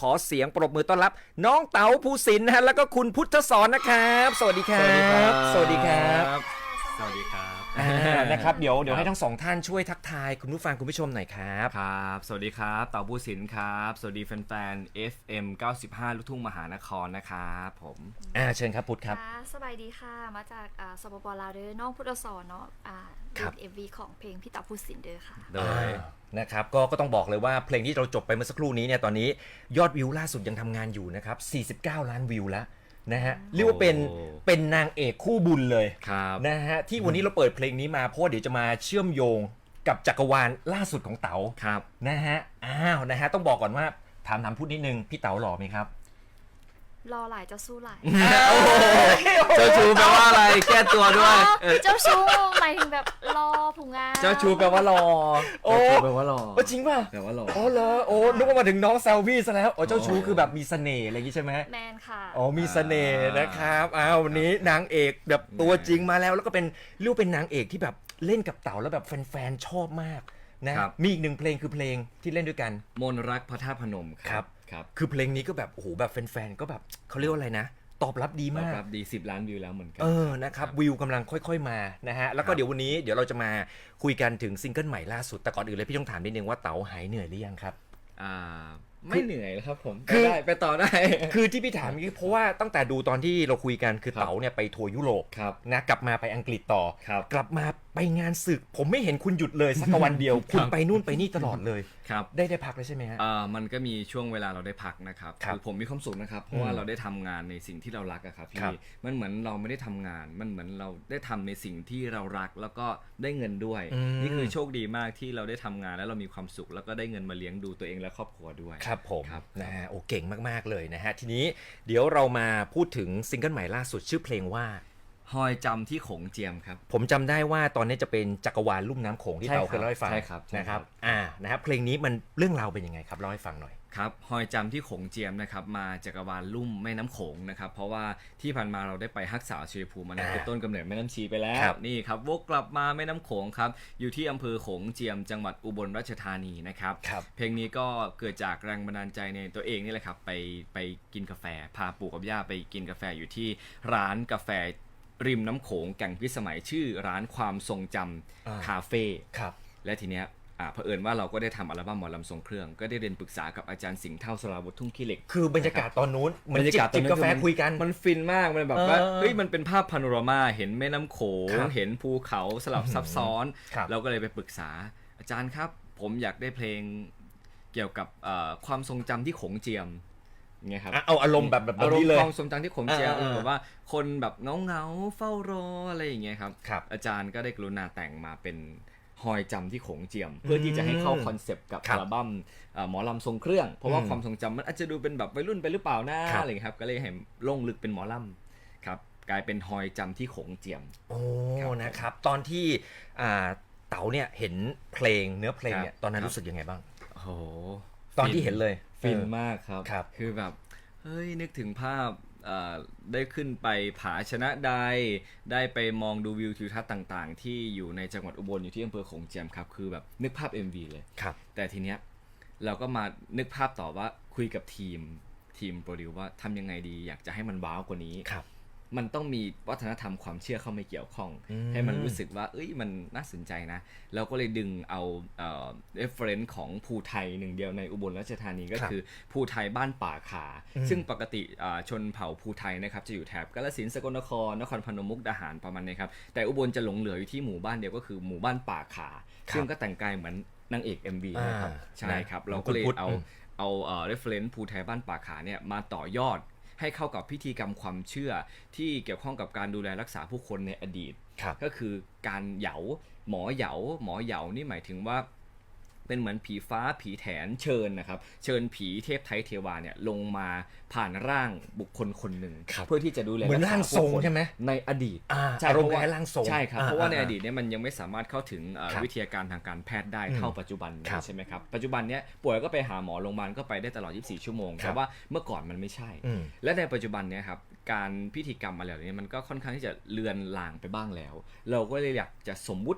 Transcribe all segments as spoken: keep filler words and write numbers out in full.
อเสียงปรบมือต้อนรับน้องเต๋าภูสินทร์นะฮะแล้วก็คุณพุทธสอนนะครับสวัสดีครับสวัสดีครับสวัสดีครับนะครับเดี๋ยวเดี๋ยวให้ทั้งสองท่านช่วยทักทายคุณผู้ฟังคุณผู้ชมหน่อยครับครับสวัสดีครับเต๋าภูสินทร์ครับสวัสดีแฟนๆ เอฟ เอ็ม เก้าสิบห้า ลูกทุ่งมหานครนะครับผมอ่าเชิญครับพุทธครับสบายดีค่ะมาจากสปปลาวเด้อน้องพุทธสอนเนาะอ่าดูเอ็มวีของเพลงพี่เต๋าภูสินทร์เด้อค่ะโดยนะครับก็ก็ต้องบอกเลยว่าเพลงที่เราจบไปเมื่อสักครู่นี้เนี่ยตอนนี้ยอดวิวล่าสุดยังทำงานอยู่นะครับสี่สิบเก้าล้านวิวแล้วนะฮะเรียกว่าเป็นเป็นนางเอกคู่บุญเลยนะฮะที่วันนี้เราเปิดเพลงนี้มาเพราะเดี๋ยวจะมาเชื่อมโยงกับจักรวาลล่าสุดของเต๋านะฮะอ้าวนะฮะต้องบอกก่อนว่าถามถามพูดนิดนึงพี่เต๋าหล่อไหมครับรอหลายเจ้าสู้หลายเจ้าชูแปลว่าอะไรแก้ตัวด้วยเจ้าชูหมายถึงแบบรอผู้งานเจ้าชูแปลว่ารอโอ้แปลว่ารอจริงป่ะแปลว่ารอโอ้เหรอโอ้นึกว่ามาถึงน้องแซลวี่ซะแล้วโอ้เจ้าชูคือแบบมีเสน่ห์อะไรอย่างงี้ใช่ไหมแมนค่ะอ๋อมีเสน่ห์นะครับอ้าววันนี้นางเอกแบบตัวจริงมาแล้วแล้วก็เป็นเรียกเป็นนางเอกที่แบบเล่นกับเต๋าแล้วแบบแฟนๆชอบมากนะมีอีกหนึ่งเพลงคือเพลงที่เล่นด้วยกันมนรักพระธาตุพนมครับครับคือเพลงนี้ก็แบบโอ้โหแบบแฟนๆก็แบบเขาเรียกว่าอะไรนะตอบรับดีมากตอบรับดีสิบล้านวิวแล้วเหมือนกันเออนะครับวิวกำลังค่อยๆมานะฮะแล้วก็เดี๋ยววันนี้เดี๋ยวเราจะมาคุยกันถึงซิงเกิลใหม่ล่าสุดแต่ก่อนอื่นเลยพี่ต้องถามนิดนึงว่าเต๋าหายเหนื่อยหรือยังครับอ่าไม่เหนื่อยแล้วครับผมคือได้ไปต่อได้คือที่พี่ถามนี่เพราะว่าตั้งแต่ดูตอนที่เราคุยกันคือเต๋าเนี่ยไปทัวร์ยุโรปนะกลับมาไปอังกฤษต่อกลับมาไปงานศึกผมไม่เห็นคุณหยุดเลยสักวันเดียวคุณไปนู่นไปนี่ตลอดเลยครับได้ได้พักเลยใช่ไหมฮะอ่ามันก็มีช่วงเวลาเราได้พักนะครับคือผมมีความสุขนะครับเพราะว่าเราได้ทำงานในสิ่งที่เรารักอะครับพี่มันเหมือนเราไม่ได้ทำงานมันเหมือนเราได้ทำในสิ่งที่เรารักแล้วก็ได้เงินด้วยนี่คือโชคดีมากที่เราได้ทำงานแล้วเรามีความสุขแล้วก็ได้เงินมาเลี้ยงดูตัวเองและครอบครัวด้วยครับผมนะฮะโอ้เก่งมากๆเลยนะฮะทีนี้เดี๋ยวเรามาพูดถึงซิงเกิลใหม่ล่าสุดชื่อเพลงว่าหอยจำที่โขงเจียมครับผมจำได้ว่าตอนนี้จะเป็นจักรวาลลุ่มน้ำโขงที่เต๋าเคยเล่าให้ฟังนะครับอ่านะครับเพลงนี้มันเรื่องราวเป็นยังไงครับเล่าให้ฟังหน่อยครับหอยจำที่โขงเจียมนะครับมาจักรวาลลุ่มแม่น้ำโขงนะครับเพราะว่าที่ผ่านมาเราได้ไปฮักษาชัยภูมิมาเป็นต้นกำเนิดแม่น้ำชีไปแล้วนี่ครับวกกลับมาแม่น้ำโขงครับอยู่ที่อำเภอโขงเจียมจังหวัดอุบลราชธานีนะครับเพลงนี้ก็เกิดจากแรงบันดาลใจในตัวเองนี่แหละครับไปไปกินกาแฟพาปู่กับย่าไปกินกาแฟอยู่ที่ร้านกาแฟริมน้ำโขงแก่งพิสมัยชื่อร้านความทรงจำคาเฟ่และทีเนี้ยอ่าเผอิญว่าเราก็ได้ทำอัลบั้มหมอลำทรงเครื่องก็ได้เรียนปรึกษากับอาจารย์สิงห์เท่าสราวุธทุ่งขี้เหล็กคือบรรยากาศตอนนู้นบรรยากาศจิบกาแฟคุยกันมันฟินมากมันแบบว่าเฮ้ยมันเป็นภาพพาโนรามาเห็นแม่น้ำโขงเห็นภูเขาสลับซับซ้อนเราก็เลยไปปรึกษาอาจารย์ครับผมอยากได้เพลงเกี่ยวกับความทรงจำที่โขงเจียมไงครับเอาอารมณ์แบบแบบนี้เลยความทรงจำที่โขงเจียมแบบว่าคนแบบเงาเงาเฝ้ารออะไรอย่างเงี้ยครับอาจารย์ก็ได้กรุณาแต่งมาเป็นหอยจำที่โขงเจียมเพื่อที่จะให้เข้าคอนเซปต์กับอัลบั้มหมอลำทรงเครื่องเพราะว่าความทรงจำมันอาจจะดูเป็นแบบวัยรุ่นไปหรือเปล่านะอะไรครับก็เลยให้ลงลึกเป็นหมอลำครับกลายเป็นหอยจำที่โขงเจียมโอ้นะครับตอนที่เต๋าเนี่ยเห็นเพลงเนื้อเพลงเนี่ยตอนนั้นรู้สึกยังไงบ้างโอ้โหตอนที่เห็นเลยฟินมากครับคือแบบเฮ้ยนึกถึงภาพได้ขึ้นไปผาชนะใดได้ไปมองดูวิวทิวทัศน์ต่างๆที่อยู่ในจังหวัดอุบลอยู่ที่อำเภอโขงเจียมครับคือแบบนึกภาพ เอ็ม วี เลยครับแต่ทีเนี้ยเราก็มานึกภาพต่อว่าคุยกับทีมทีมโปรดิวว่าทำยังไงดีอยากจะให้มันว้าวกว่านี้ครับมันต้องมีวัฒนธรรมความเชื่อเข้ามาเกี่ยวข้องให้มันรู้สึกว่าเอ้ยมันน่าสนใจนะเราก็เลยดึงเอาเอ่อ reference ของภูไทยหนึ่งเดียวในอุบลราชธานีก็คือภูไทยบ้านป่าขาซึ่งปกติชนเผ่าภูไทยนะครับจะอยู่แถบกาฬสินธุ์สกลนครนครพนมมุกดาหารประมาณนี้ครับแต่อุบลจะหลงเหลืออยู่ที่หมู่บ้านเดียวก็คือหมู่บ้านป่าขาซึ่งก็แต่งกายเหมือนนางเอก เอ็ม วี นะครับใช่ครับเราก็เลยเอาเอาเอ่อ reference ภูไทยบ้านป่าขาเนี่ยมาต่อยอดให้เข้ากับพิธีกรรมความเชื่อที่เกี่ยวข้องกับการดูแลรักษาผู้คนในอดีตก็คือการเหยาหมอเหยาหมอเหยานี่หมายถึงว่าเป็นเหมือนผีฟ้าผีแถนเชิญนะครับเชิญผีเทพไทยเทวาเนี่ยลงมาผ่านร่างบุคคลคนหนึ่งเพื่อที่จะดูแลเหมือนร่างทรงใช่ไหมในอดีตใช่เพราะว่าร่างทรงใช่ครับเพราะว่าในอดีตเนี่ยมันยังไม่สามารถเข้าถึงวิทยาการทางการแพทย์ได้เท่าปัจจุบันใช่ไหมครับปัจจุบันเนี้ยป่วยก็ไปหาหมอโรงพยาบาลก็ไปได้ตลอดยี่สิบสี่ชั่วโมงแต่ว่าเมื่อก่อนมันไม่ใช่และในปัจจุบันเนี้ยครับการพิธีกรรมอะไรเหล่านี้มันก็ค่อนข้างที่จะเลือนลางไปบ้างแล้วเราก็เลยอยากจะสมมุติ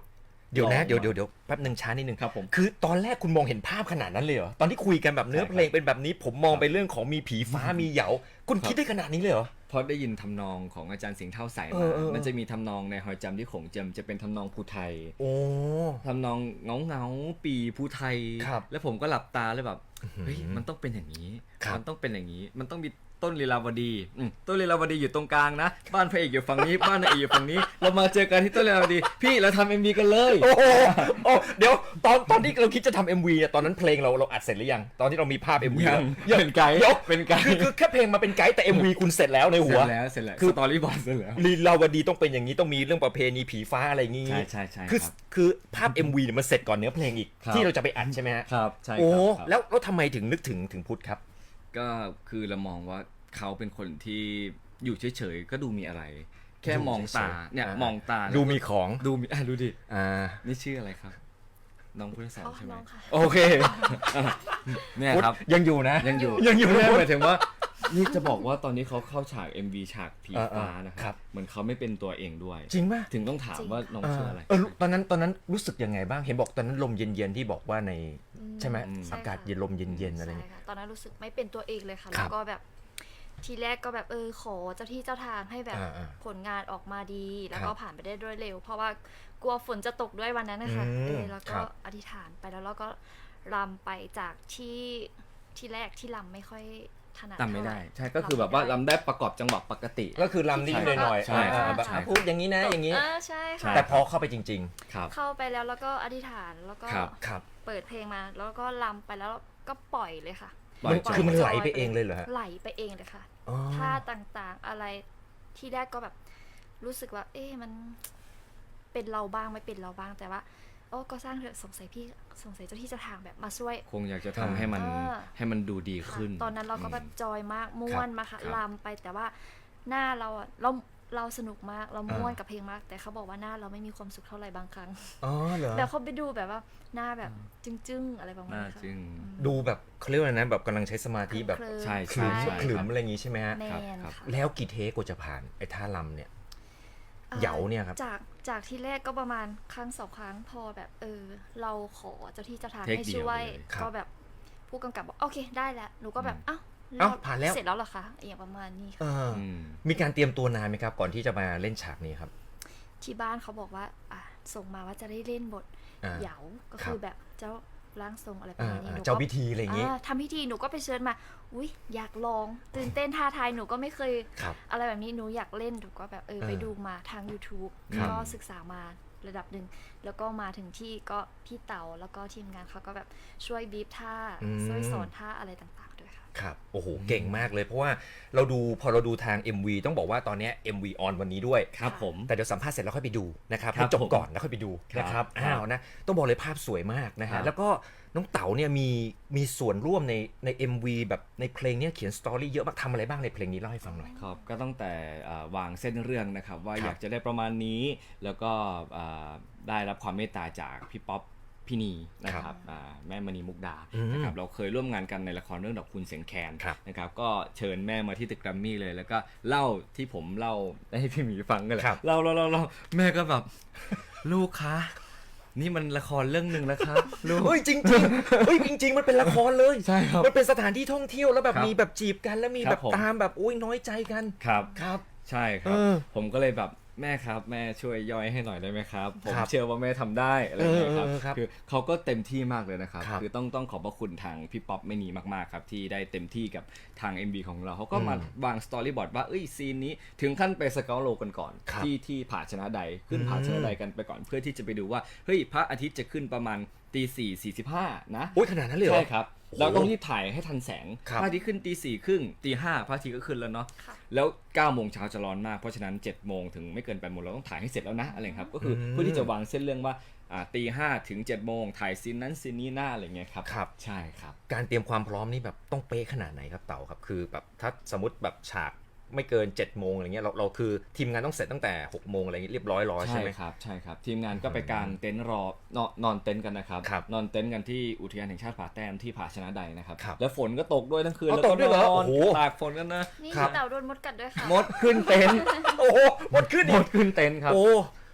เดี๋ยวนะลองเดี๋ยวเดี๋ยวเดี๋ยวแป๊บหนึ่งช้านิดนึงครับผมคือตอนแรกคุณมองเห็นภาพขนาดนั้นเลยเหรอตอนที่คุยกันแบบเนื้อใช่ครับเพลงเป็นแบบนี้ผมมองไปเรื่องของมีผีฟ้ามีเหยาคุณครับคิดได้ขนาดนี้เลยเหรอเพราะได้ยินทำนองของอาจารย์สิงห์เท่าใสเอมาอเออเออมันจะมีทำนองในหอยจำที่โขงเจียมจะเป็นทำนองภูไทยโอ้ทำนองเงาเงาๆปีภูไทยครับแล้วผมก็หลับตาเลยแบบเฮ้ยมันต้องเป็นอย่างนี้ครับมันต้องเป็นอย่างนี้ มันต้องมีต้นลีลาวดีอืมต้นลีลาวดีอยู่ตรงกลางนะ บ้านพระเอกอยู่ฝั่งนี้ บ้านนางเอกอยู่ฝั่งนี้ เรามาเจอกันที่ต้นลีลาวดี พี่เราทำเอ็มวีกันเลยโอ้โหโอ้เดี๋ยวตอนตอนที่เราคิดจะทำ เอ็ม วีเนี่ยตอนนั้นเพลงเราเราอัดเสร็จหรือยังตอนที่เรามีภาพ เอ็ม วียังแล้วเป็นไกด์เดี๋ยวเป็นไกด์คือคือแค่เพลงมาเป็นไกด์แต่ เอ็ม วี คุณเสร็จแล้วในเสหัร็วจแล้วเสร็จแล้วคืคือ อสตอรี่บอร์ดเสร็จแล้วลีลาวดีต้องเป็นอย่างนี้ต้องมีเรื่องประเพณีผีฟ้าอะไรอย่างงี้ใช่ใช่ใช่คือครับคือภาพ เอ็ม วี เนี่ยมันเสร็จก่อนเนื้อเพลงอีกครับที่เราจะไปอัดใช่ไหมฮะครับใช่คโอ้รับครับแล้วแล้วทำไมถึงนึกถึงถึงพุทธครับก็คือเรามองว่าเขาเป็นคนที่อยู่เฉยๆก็ดูมีอะไร แค่มองตาเนี่ยอ่ามองตาดูมีของดูมีอ่ะดูดิอ่านี่ชื่ออะไรครับ น้องพุทธศรอ๋อใช่ไหมน้องค่ะโอเคเนี่ยพุทธครับยังอยู่นะยังอยู่ยังอยู่ไม่นะหมายถึงว่านี่จะบอกว่าตอนนี้เขาเข้าฉาก เอ็ม วี ฉากผีเออเออฟ้านะคครัรับบเหมือนเขาไม่เป็นตัวเองด้วยจริงป่ะถึงต้องถามว่าน้องเอชื่อออะไรเออตอนนั้นตอนนั้นรู้สึกยังไงบ้างเห็นบอกตอนนั้นลมเย็นๆที่บอกว่าในอืมใช่ไหมอืมอากาศเย็นลมเย็นๆอะไรใช่เงี้ยค่ะตอนนั้นรู้สึกไม่เป็นตัวเองเลยค่ะครัแล้บวก็แบบทีแรกก็แบบเออขอเจ้าที่เจ้าทางให้แบบอ่าอ่าผลงานออกมาดี แล้วครัก็บผ่านไปได้ด้วยเร็ว เพราะว่ากลัวฝนจะตกด้วยวันนั้นนะคะอืมเออแล้วคก็รับอธิษฐานไปแล้วเราก็รำไปจากที่ที่แรกที่รำไม่ค่อยถนัดจำไม่ได้เท่าหร่ใช่ก็คือแบบว่าำไม่ได้ลำได้ประกอบจังหวะปกติก็คือลำนิดๆหน่อยๆใช่อ่าใช่แบบใช่พูดอย่างนี้นะอย่างนี้เออใช่ค่ะแต่พอเข้าไปจริงครับเข้าไปแล้วแล้วก็อธิษฐานแล้วก็ครับๆ ครับเปิดเพลงมา แล้วก็รำไปแล้วก็ปล่อยเลยค่ะปล่อยมันจอยคือมันจไหลยไปเองเลยเหรอฮะไหลไปเองเลยค่ะอ๋อท่าต่างๆอะไรที่แรกก็แบบรู้สึกว่า เอ๊ะมันเป็นเราบ้างไม่เป็นเราบ้างแต่ว่าโอ้ก็สร้างเถอะสงสัยพี่สงสัยเจ้าที่เจ้าทางแบบมาช่วยคงอยากจะทำให้มันเออให้มันดูดีค่ะขึ้นตอนนั้นเราก็แบบจอยมากม่วนมาค่ะครับลำไปแต่ว่าหน้าเราอะเราเราสนุกมากเราม่วนอ่ากักับเพลงมาก แต่เขาบอกว่าหน้าเราไม่มีความสุขเท่าไหร่บางครั้งอ๋อเหรอแต่เขาไปดูแบบว่าหน้าแบบจึ้งๆอะไรประมาณน่านี้ค่ะจึงดูแบบเขาเรียกว่าอะไรนะแบบกำลังใช้สมาธิแบบเคลิ้มใช่ขลุ่มใช่ขลุ่มอะไรอย่างงี้ใช่ไหมฮะแมครับนครับค่ะแล้วกี่เทคกว่าจะผ่านไอ้ท่าลำเนี่ยอ่อเหยาเนี่ยครับจากจากที่แรกก็ประมาณครั้งสองครั้งพอแบบเออ เราขอเจ้าที่เจ้าทางเทคให้เดียวช่วยเลยครับก็แบบผู้กำกับบอกโอเคได้แล้วหนูก็แบบอืมอ้าวเอ้าผ่านแล้วเสร็จแล้วเหรอคะอย่างประมาณนี้เอค่ะออืมมีการเตรียมตัวนานไหมครับ ก่อนที่จะมาเล่นฉากนี้ครับที่บ้านเขาบอกว่า อ่ะส่งมาว่าจะได้เล่นบทอ่าเหยาก็ครับคือแบบเจ้าร่างทรงอะไรประอ่ามาณนี้อ่าหนูก็เจ้าพิธีอะไรอย่างงี้อ่าทำพิธีหนูก็ไปเชิญมา อุ้ยอยากลองตื่นเต้นท้าทายหนูก็ไม่เคยครับอะไรแบบนี้หนูอยากเล่นหนูก็แบบเออเออไปดูมาทาง YouTube ครับก็ศึกษามาระดับหนึ่งแล้วก็มาถึงที่ก็พี่เต๋าแล้วก็ทีมงานเขาก็แบบช่วยบีบท่าช่วยสอนท่าอะไรต่างๆด้วยค่ะครับ โอ้โห เก่งมากเลย เพราะว่าเราดูพอเราดูทาง เอ็ม วี ต้องบอกว่าตอนเนี้ย เอ็ม วี ออนวันนี้ด้วยครับผมแต่เดี๋ยวสัมภาษณ์เสร็จแล้วค่อยไปดูนะครับครับให้จบผมก่อนแล้วค่อยไปดูครับนะครับครับอ้าวนะ ต้องบอกเลยภาพสวยมากนะครัฮะบแล้วก็น้องเต๋าเนี่ยมีมีส่วนร่วมในใน เอ็ม วี แบบในเพลงเนี้ยเขียนสตอรี่เยอะมากทำอะไรบ้างในเพลงนี้เล่าให้ฟังหน่อยครับก็ตั้งแต่อ่าวางเส้นเรื่องนะครับ ว่าครับอยากจะได้ประมาณนี้ แล้วก็อ่าได้รับความเมตตาจากพี่ป๊อปพี่นีนะครับอ่าแม่มณีมุกดาอืมนะครับเราเคยร่วมงานกันในละครเรื่องดอกคุณเสียงแคนครับนะครับก็เชิญแม่มาที่ตึกแกรมมี่เลย แล้วก็เล่าที่ผมเล่าให้พี่หมีฟังกันเลยครับเล่าเล่าเล่าเล่าแม่ก็แบบ ลูกคะนี่มันละครเรื่องหนึ่งแล้วครับลูกเฮ้ยจริงจริงๆเฮ้ยจริง ๆ มันเป็นละครเลยใช่ครับมันเป็นสถานที่ท่องเที่ยวแล้วแบบครับมีแบบจีบกันแล้วมีครัแบบ บผมตามแบบอุ้ยน้อยใจกันครับครับใช่ครับเออผมก็เลยแบบแม่ครับแม่ช่วยย่อยให้หน่อยได้ไหมครับ ผมครับเชื่อว่าแม่ทำได้อะไรอย่างเงี้ยครับเออเออครับคือเขาก็เต็มที่มากเลยนะครับครับคือต้องต้องขอบพระคุณทางพี่ป๊อปไม่นีมากๆครับที่ได้เต็มที่กับทาง เอ็ม วี ของเราเขาก็มาอืมวางสตอรี่บอร์ดว่าเอ้ยซีนนี้ถึงขั้นไปสเกลโลกันก่อนครับที่ที่ผาชนะใดขึ้นอืมผาชนะใดกันไปก่อน เพื่อที่จะไปดูว่าเฮ้ยพระอาทิตย์จะขึ้นประมาณตีสี่สี่สิบห้านะโอ้ยขนาดนั้นเลยเหรอใช่ครับโอ้โหเราต้องรีบถ่ายให้ทันแสงครับพระอาทิตย์ขึ้นตีสี่ครึ่งตีห้าพระอาทิตย์ก็ขึ้นแล้วเนาะค่ะแล้วเก้าโมงเช้าจะร้อนมาก เพราะฉะนั้นเจ็ดโมงถึงไม่เกินแปดโมงเราต้องถ่ายให้เสร็จแล้วนะอะไรครับ ก็คืออมเพื่อที่จะวางเส้นเรื่องว่าอ่าตีห้าถึงเจ็ดโมงถ่ายซีนนั้นซีนนี้หน้าอะไรเงี้ยครับครับใช่ครับการเตรียมความพร้อมนี่แบบต้องเป๊ะขนาดไหนครับเต๋าครับคือแบบถ้าสมมติแบบฉากไม่เกิน7จ็ดโมงอะไรเงี้ยเราเราคือทีมงานต้องเสร็จตั้งแต่หกโมงอะไรเงี้ยเรียบร้อยรอใช่ใช่ไหมครับใช่ครับ ทีมงานก็ไปกางเต็นท์รอนอนนอนเต็นท์กันนะครับครับนอนเต็นท์กันที่อุทยานแห่งชาติผาแต้มที่ผาชนะใดนะครับครับแล้วฝนก็ตกด้วยทั้งคืนอ๋อแล้วก็ตกด้วยเหรอนอนโอ้โหตากฝนกันนะนี่ครับเต่าโดนมดกัดด้วยค่ะมดขึ้นเต็นท์โอ้โหหมดขึ้นมอีดกขึ้นเต็นท์ครับโอ้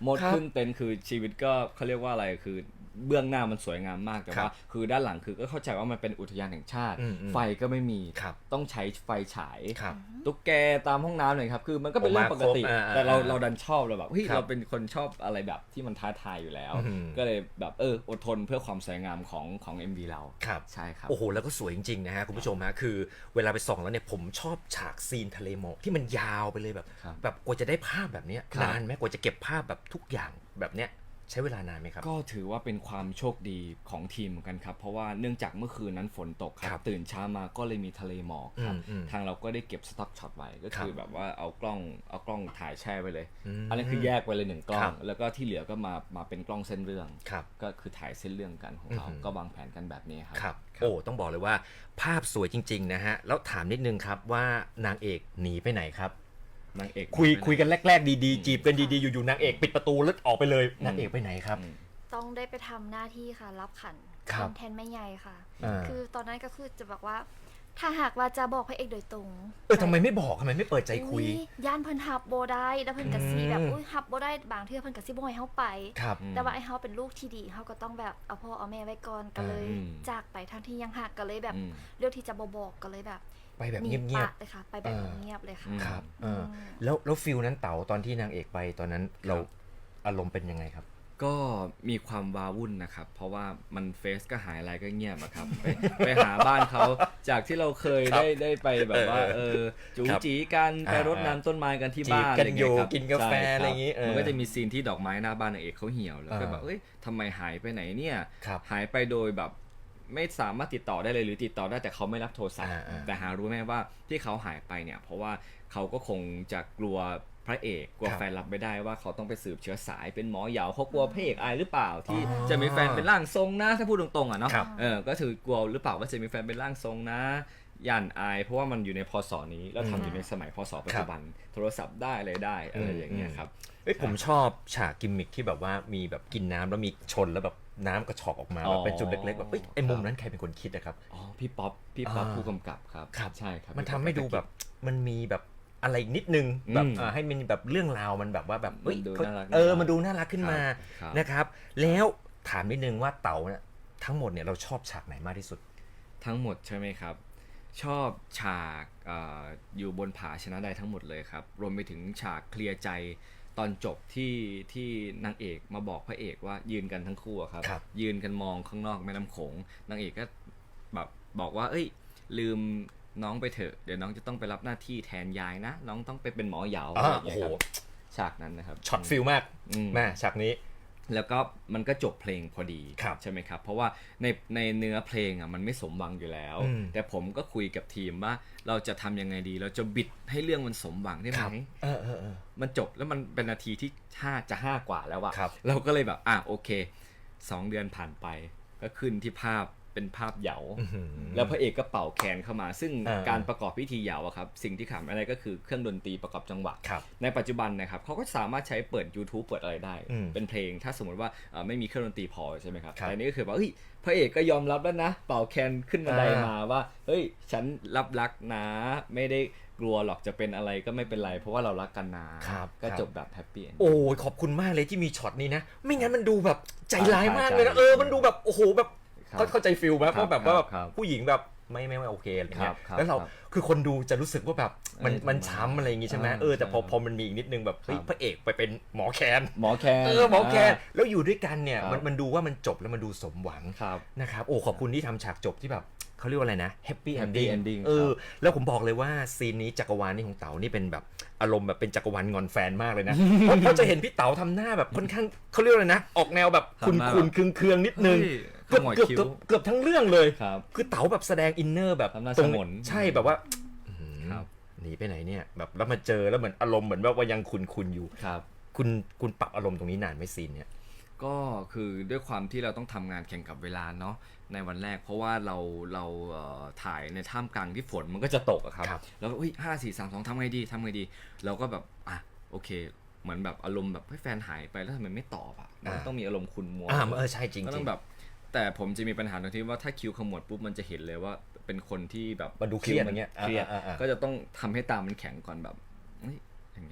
โหมดขึ้นเต็นท์คือชีวิตก็เขาเรียกว่าอะไรคือเบื้องหน้ามันสวยงามมากแต่ว่าคือด้านหลังคือก็เข้าใจว่ามันเป็นอุทยานแห่งชาติไฟก็ไม่มีต้องใช้ไฟฉายตุ๊กแกตามห้องน้ำเลยครับคือมันก็เป็นเรื่องปกติแต่เราเราดันชอบเราแบบเฮ้ยเราเป็นคนชอบอะไรแบบที่มันท้าทายอยู่แล้วก็เลยแบบเอออดทนเพื่อความสวยงามของของ เอ็ม วี เราใช่ครับโอ้โหแล้วก็สวยจริงๆนะฮะคุณผู้ชมฮะคือเวลาไปส่องแล้วเนี่ยผมชอบฉากซีนทะเลหมอกที่มันยาวไปเลยแบบแบบกว่าจะได้ภาพแบบนี้นานไหมกว่าจะเก็บภาพแบบทุกอย่างแบบเนี้ยใช้เวลานานไหมครับก็ถือว่าเป็นความโชคดีของทีมเหมือนกันครับเพราะว่าเนื่องจากเมื่อคืนนั้นฝนตกครับตื่นเช้ามาก็เลยมีทะเลหมอกครับทางเราก็ได้เก็บสต็อกช็อตไว้ก็คือแบบว่าเอากล้องเอากล้องถ่ายแช่ไว้เลยอันนั้นคือแยกไปเลยหนึ่งกล้องแล้วก็ที่เหลือก็มามาเป็นกล้องเส้นเรื่องก็คือถ่ายเส้นเรื่องกันของเราก็วางแผนกันแบบนี้ครับโอ้ต้องบอกเลยว่าภาพสวยจริงๆนะฮะแล้วถามนิดนึงครับว่านางเอกหนีไปไหนครับนางเอกคุยคุยกันแรกๆดีๆจีบกันดีๆอยู่ๆนางเอกปิดประตูแล้วออกไปเลยนางเอกไปไหนครับต้องได้ไปทำหน้าที่ค่ะรับขันแทนแม่ใหญ่ค่ะคือตอนนั้นก็คือจะบอกว่าถ้าหากว่าจะบอกพระเอกโดยตรงเออทำไมไม่บอกทำไมไม่เปิดใจคุยย่านเพิ่นฮับโบได้แล้วเพิ่นกะซีแบบอุ้ยฮับโบได้บางเทื่อเพิ่นกะซีบ่ให้เฮาไปแต่ว่าไอ้เฮาเป็นลูกที่ดีเฮาก็ต้องแบบเอาพ่อเอาแม่ไว้ก่อนก็เลยจากไปทั้งที่ยังหักก็เลยแบบเลือกที่จะบ่บอกก็เลยแบบไปแบบเงียบๆเลยค่ะไปแบบเงียบเลยค่ะครับแล้วแล้วฟิลนั้นเต๋าตอนที่นางเอกไปตอนนั้นเราอารมณ์เป็นยังไงครับก็มีความว้าวุ่นนะครับเพราะว่ามันเฟซก็หายอะไรก็เงียบอะครับไปไปหาบ้านเขาจากที่เราเคยได้ได้ไปแบบว่าเออจูจีกันไปรดน้ำต้นไม้กันที่บ้านกันอยู่กินกาแฟอะไรอย่างงี้มันก็จะมีซีนที่ดอกไม้หน้าบ้านนางเอกเขาเหี่ยวแล้วก็แบบเอ้ยทำไมหายไปไหนเนี่ยหายไปโดยแบบไม่สามารถติดต่อได้เลยหรือติดต่อได้แต่เขาไม่รับโทรศัพท์แต่หารู้ไหมว่าที่เขาหายไปเนี่ยเพราะว่าเขาก็คงจะกลัวพระเอกกลัวแฟนรับไม่ได้ว่าเขาต้องไปสืบเชื้อสายเป็นหมอเหยาเขากลัวพระเอกอายหรือเปล่าที่จะมีแฟนเป็นร่างทรงนะถ้าพูดตรงๆอ่ะเนาะเออก็ถือกลัวหรือเปล่าว่าจะมีแฟนเป็นร่างทรงนะย่านอายเพราะว่ามันอยู่ในพศนี้แล้วทำอยู่ในสมัยพศปัจจุบันโทรศัพท์ได้อะไรได้อะไรอย่างเงี้ยครับเอ้ยผมชอบฉากกิมมิคที่แบบว่ามีแบบกินน้ำแล้วมีชนแล้วแบบน้ำกระชอกออกมาแบบเป็นจุดเล็กๆแบบเอ้ยไอ้มุมนั้นใครเป็นคนคิดนะครับอ๋อพี่ป๊อปพี่ป๊อปผู้กำกับครับใช่ครับมันทำให้ดูแบบมันมีแบบอะไรนิดนึงแบบให้มันแบบเรื่องราวมันแบบว่าแบบเออมันดูน่ารักขึ้นมานะครับแล้วถามนิดนึงว่าเต๋าเนี่ยทั้งหมดเนี่ยเราชอบฉากไหนมากที่สุดทั้งหมดใช่ไหมครับชอบฉากอยู่บนผาชนะได้ทั้งหมดเลยครับรวมไปถึงฉากเคลียร์ใจตอนจบที่ที่นางเอกมาบอกพระเอกว่ายืนกันทั้งคู่ครับยืนกันมองข้างนอกแม่น้ำโขงนางเอกก็แบบบอกว่าเอ้ยลืมน้องไปเถอะเดี๋ยวน้องจะต้องไปรับหน้าที่แทนยายนะน้องต้องไปเป็นหมอเหยาอะไรอย่างเงี้ยครับฉากนั้นนะครับช็อตฟิลมากแม่ฉากนี้แล้วก็มันก็จบเพลงพอดีใช่ไหมครับเพราะว่าในในเนื้อเพลงอ่ะมันไม่สมหวังอยู่แล้วแต่ผมก็คุยกับทีมว่าเราจะทำยังไงดีเราจะบิดให้เรื่องมันสมหวังได้ไหมเออเออเออมันจบแล้วมันเป็นนาทีที่ห้าจะห้ากว่าแล้วอะเราก็เลยแบบอ่ะโอเคสองเดือนผ่านไปก็ขึ้นที่ภาพเป็นภาพเหยาแล้วพระเอกก็เป่าแคนเข้ามาซึ่งการประกอบพิธีเหยาอะครับสิ่งที่ขาดอะไรก็คือเครื่องดนตรีประกอบจังหวะในปัจจุบันนะครับเขาก็สามารถใช้เปิด YouTube เปิดอะไรได้เป็นเพลงถ้าสมมติว่าไม่มีเครื่องดนตรีพอใช่ไหมครับแต่นี่ก็คือว่าเฮ้ยพระเอกก็ยอมรับแล้วนะเป่าแคนขึ้นบันไดมาว่าเฮ้ยฉันรับรักนะไม่ได้กลัวหรอกจะเป็นอะไรก็ไม่เป็นไรเพราะว่าเรารักกันนะก็จบแบบแฮปปี้โอ้ขอบคุณมากเลยที่มีช็อตนี้นะไม่งั้นมันดูแบบใจร้ายมากเลยนะเออมันดูแบบโอ้โหแบบเขาเข้าใจฟิลไหมเพราะแบบว่าผู้หญิงแบบไม่ไม่ไม่โอเคอะไรเงี้ยแล้วเราคือคนดูจะรู้สึกว่าแบบมันมันช้ำอะไรอย่างงี้ใช่ไหมเออแต่พอพอมันมีอีกนิดนึงแบบเฮ้ยพระเอกไปเป็นหมอแคนหมอแคนเออหมอแคนแล้วอยู่ด้วยกันเนี่ยมันมันดูว่ามันจบแล้วมันดูสมหวังนะครับโอ้ขอบคุณที่ทำฉากจบที่แบบเขาเรียกว่าอะไรนะแฮปปี้เอนดิ้งเออแล้วผมบอกเลยว่าซีนนี้จักรวาลนี้ของเต๋านี่เป็นแบบอารมณ์แบบเป็นจักรวาลงอนแฟนมากเลยนะเพราะจะเห็นพี่เต๋าทำหน้าแบบค่อนข้างเขาเรียกอะไรนะออกแนวแบบคุณคุณเคืองเคืองนิดนึงเกือบเกือบเกือบทั้งเรื่องเลยคือเต๋าแบบแสดงอินเนอร์แบบตรงใช่แบบว่าหนีไปไหนเนี่ยแบบแล้วมาเจอแล้วเหมือนอารมณ์เหมือนว่ายังคุณคุณอยู่คุณคุณปรับอารมณ์ตรงนี้นานไหมซีนเนี่ยก็คือด้วยความที่เราต้องทำงานแข่งกับเวลาเนาะในวันแรกเพราะว่าเราเราถ่ายในท่ามกลางที่ฝนมันก็จะตกอะครับแล้วก็อุ้ยห้าสี่สามสองทำไงดีทำไงดีเราก็แบบอ่ะโอเคเหมือนแบบอารมณ์แบบให้แฟนหายไปแล้วทำไมไม่ตอบอ่ะมันต้องมีอารมณ์คุณมัวอ่าเออใช่จริงก็ต้องแบบแต่ผมจะมีปัญหาตรงที่ว่าถ้าคิวขมวดปุ๊บมันจะเห็นเลยว่าเป็นคนที่แบบมันดูเครียดอย่างเงี้ยเครียดก็จะต้องทำให้ตามันแข็งก่อนแบบอย่างเงี้ย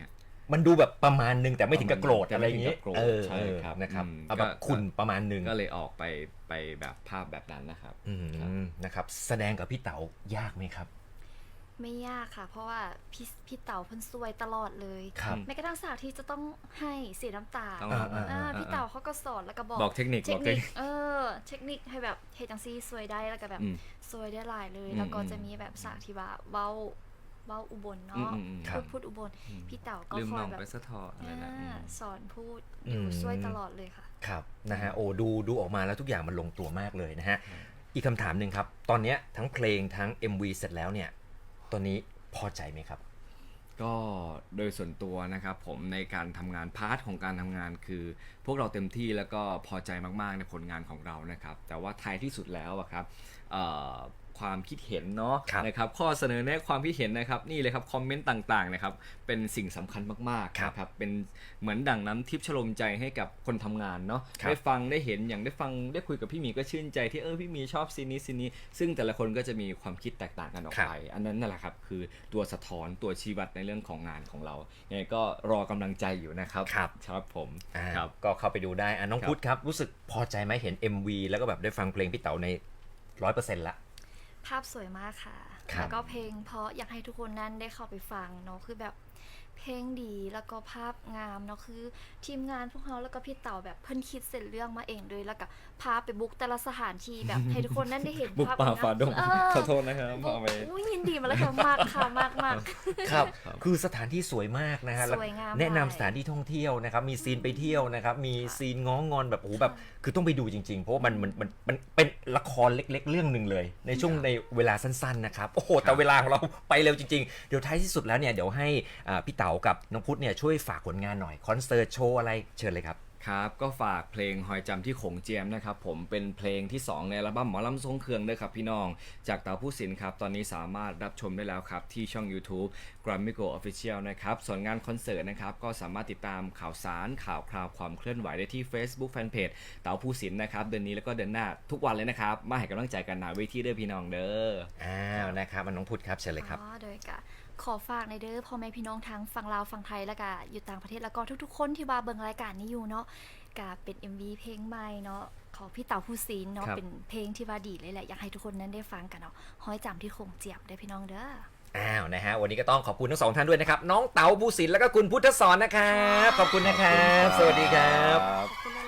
มันดูแบบประมาณนึงแต่ไม่ถึงกับโกรธอะไรอย่างงี้แต่ไม่ถึงกับโกรธเออใช่ครับนะครับอืมเอาแบบก็คุณประมาณนึงก็เลยออกไปไปแบบภาพแบบนั้นนะครับอืมนะครับแสดงกับพี่เต๋ายากไหมครับไม่ยากค่ะ เพราะว่าพี่พี่เต๋าเพิ่นซวยตลอดเลยครับแม้กระทั่งฉากที่จะต้องให้เสียน้ำตาต้องอ่าอ่าอ่าพี่เต๋าเขาก็สอนแล้วก็บอกบอกเทคนิคเทบคอกเทนิคคนิคเออเทคนิคให้แบบเฮดจังซี่ซวยได้แล้วก็แบบอืมซวยได้หลายเลยอืมแล้วก็อืมจะมีแบบฉากที่ว่าเว้าเว้าอุบลอืเนาะมอืมอืมครัพูบดพูดอุบลพี่เต๋าก็ลืมคอน้ยองแบบไปสะทออะไรนะอือ่าม สอนพูดอือยู่มช่วยตลอดเลยค่ะครับนะฮะโอ้ดูดูออกมาแล้วทุกอย่างมันลงตัวมากเลยนะฮะอีกคำถามหนึ่งครับ ตอนเนี้ยทั้งเพลงทั้ง เอ็ม วี เสร็จแล้วเนี่ยตอนนี้พอใจไหมครับก็โดยส่วนตัวนะครับผมในการทำงานพาร์ทของการทำงานคือ พวกเราเต็มที่แล้วก็พอใจมากๆในผลงานของเรานะครับแต่ว่าท้ายที่สุดแล้วอะครับเอ่อความคิดเห็นเนาะครับนะครับข้อเสนอแนะความคิดเห็นนะครับนี่เลยครับคอมเมนต์ต่างๆนะครับเป็นสิ่งสำคัญมากๆนะครับเป็นเหมือนดั่งน้ำทิพย์ชโลมใจให้กับคนทำงานเนาะครับได้ฟังได้เห็นอย่างได้ฟังได้คุยกับพี่หมีก็ชื่นใจที่เออพี่หมีชอบซีนนี้ซีนนี้ซึ่งแต่ละคนก็จะมีความคิดแตกต่างกันออกไป อันนั้นนั่นแหละครับคือตัวสะท้อนตัวชี้วัดในเรื่องของงานของเรายังไงก็รอกำลังใจอยู่นะครับครับครับผมอ่าครับก็เข้าไปดูได้อ่ะน้องครับพุทธครับรู้สึกพอใจไหมเห็น เอ็ม วี แล้วก็แบบได้ฟังเพลงพี่เต๋าใน ร้อยเปอร์เซ็นต์ ละภาพสวยมากค่ะครับแล้วก็เพลงเพราะอยากให้ทุกคนนั้นได้เข้าไปฟังเนาะ คือแบบเพลงดีแล้วก็ภาพงามเนาะ คือทีมงานพวกเขาแล้วก็พี่เต่าแบบเพิ่นคิดเสร็จเรื่องมาเองเลยแล้วก็พาไปบุกแต่ละสถานที่แบบ ให้ทุกคนนั้นได้เห็นบุกภาพป่างมฝ่าดงเออขอโทษนะครับพาไปอุ้ยยินดีมาแล้วค่ะมากค่ะมากมากครับ คือสถานที่สวยมากนะฮะสวยงามแนะนำมากสถานที่ท่องเที่ยวนะครับ มีซีนไปเที่ยวนะครับ มีซีนง้องอนแบบโอ้โหแบบ คือต้องไปดูจริงๆ เพราะว่ามันมันมันมันเป็นละครเล็กๆ เรื่องหนึ่งเลย ในช่วงในเวลาสั้นๆนะครับ โอ้โห แต่เวลาของเราไปเร็วจริงๆ เดี๋ยวท้ายที่สุดแล้วเนี่ย เดี๋ยวให้อ่าพี่เต๋ากับน้องพุทธเนี่ยช่วยฝากผลงานหน่อย คอนเสิร์ตโชว์อะไรเชิญเลยครับครับก็ฝากเพลงหอยจำที่โขงเจียมนะครับผมเป็นเพลงที่สองในอัลบั้มหมอลำทรงเครื่องด้วยครับพี่น้องจากเต๋าผู้ศิลป์ครับตอนนี้สามารถรับชมได้แล้วครับที่ช่อง YouTube Grammy Go Official นะครับส่วนงานคอนเสิร์ตนะครับก็สามารถติดตามข่าวสารข่าวคราวความเคลื่อนไหวได้ที่ Facebook Fanpage เต๋าผู้ศิลป์นะครับเดือนนี้แล้วก็เดือนหน้าทุกวันเลยนะครับมาให้กำลังใจกันหนาเวทีเด้อพี่น้องเด้ออ้าวนะครับอ่ะน้องพุทธครับเชิญเลยครับอ๋อโดยกะขอฝากในเด้อพ่อแม่พี่น้องทั้งฝั่งลาวฝั่งไทยแล้วก็อยู่ต่างประเทศแล้วก็ทุกๆ คนที่ว่าเบิ่งรายการนี้อยู่เนาะกะเป็น เอ็ม วี เพลงใหม่เนาะของพี่เต๋าผู้ศิลป์เนาะครับเป็นเพลงที่ว่าดีเลยแหละอยากให้ทุกคนนั้นได้ฟังกันเนาะห้อยจำที่โคงเจียบได้อพี่น้องเด้ออ้าวนะฮะวันนี้ก็ต้องขอบคุณทั้งสองท่านด้วยนะครับ น้องเต๋าผู้ศิลป์แล้วก็คุณพุทธสอนนะครับ ขอบคุณนะครับ สวัสดีครับขอบคุณ